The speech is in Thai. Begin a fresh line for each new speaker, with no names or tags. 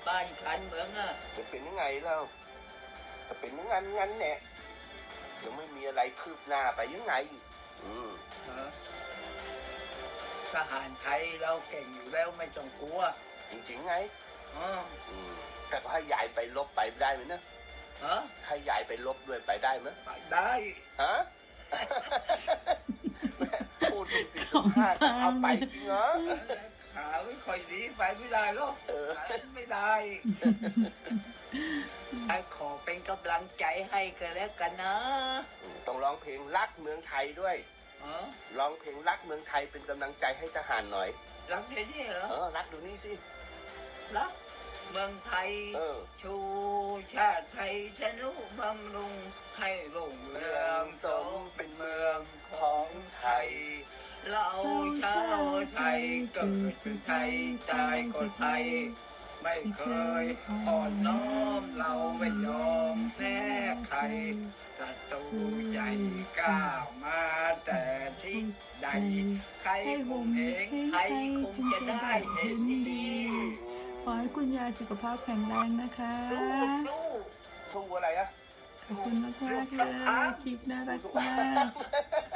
บ้านการเมืองอ่ะ
จะเป็นยังไงแล้วจะเป็นงั้นแหละยังไม่มีอะไรคืบหน้าไปยังไง
เหรอทหารไทยเราเก่งอยู่แล้วไม่ต้องกลัว
จริงๆไง
อ๋อ
แต่ก็ให้ยายไปลบไปได้ไหมนะ
ฮะ
ให้ยายไปลบด้วยไปได้ไหม
ไปได้
ฮะ พูดตุกติกตุกห้าจะเอาไปจริงเหรอ
ขาไม่ค่อยดีไปไม่ได้หรอกไปไม่ได้ไอ้ขอเป็นกำลังใจให้กันแล้วกันนะ
ต้องร้องเพลงรักเมืองไทยด้วย
อ๋อ
ร้องเพลงรักเมืองไทยเป็นกำลังใจให้ทหารหน่อย
รักเดี๋ยวนี้เหรอ
รักดูนี่สิ
รักเมืองไทย ชูชาติไทยชนุบำรุงให้รุ่งเรืองสมเป็นเมืองของไทย เราชาวไทยเกิดเป็นไทยตายก็ไทย ไม่เคยอ่อนน้อมเราไม่ยอมแพ้ใครศัตรูใจกล้ามาแต่ที่ใด ใครคงเองใครคงจะได้เห็นดี
ขอให้คุณยายสุขภาพแข็งแรงนะคะ
สู้อะไรอะ
ขอบคุณมากๆเลยคลิปน่ารักมาก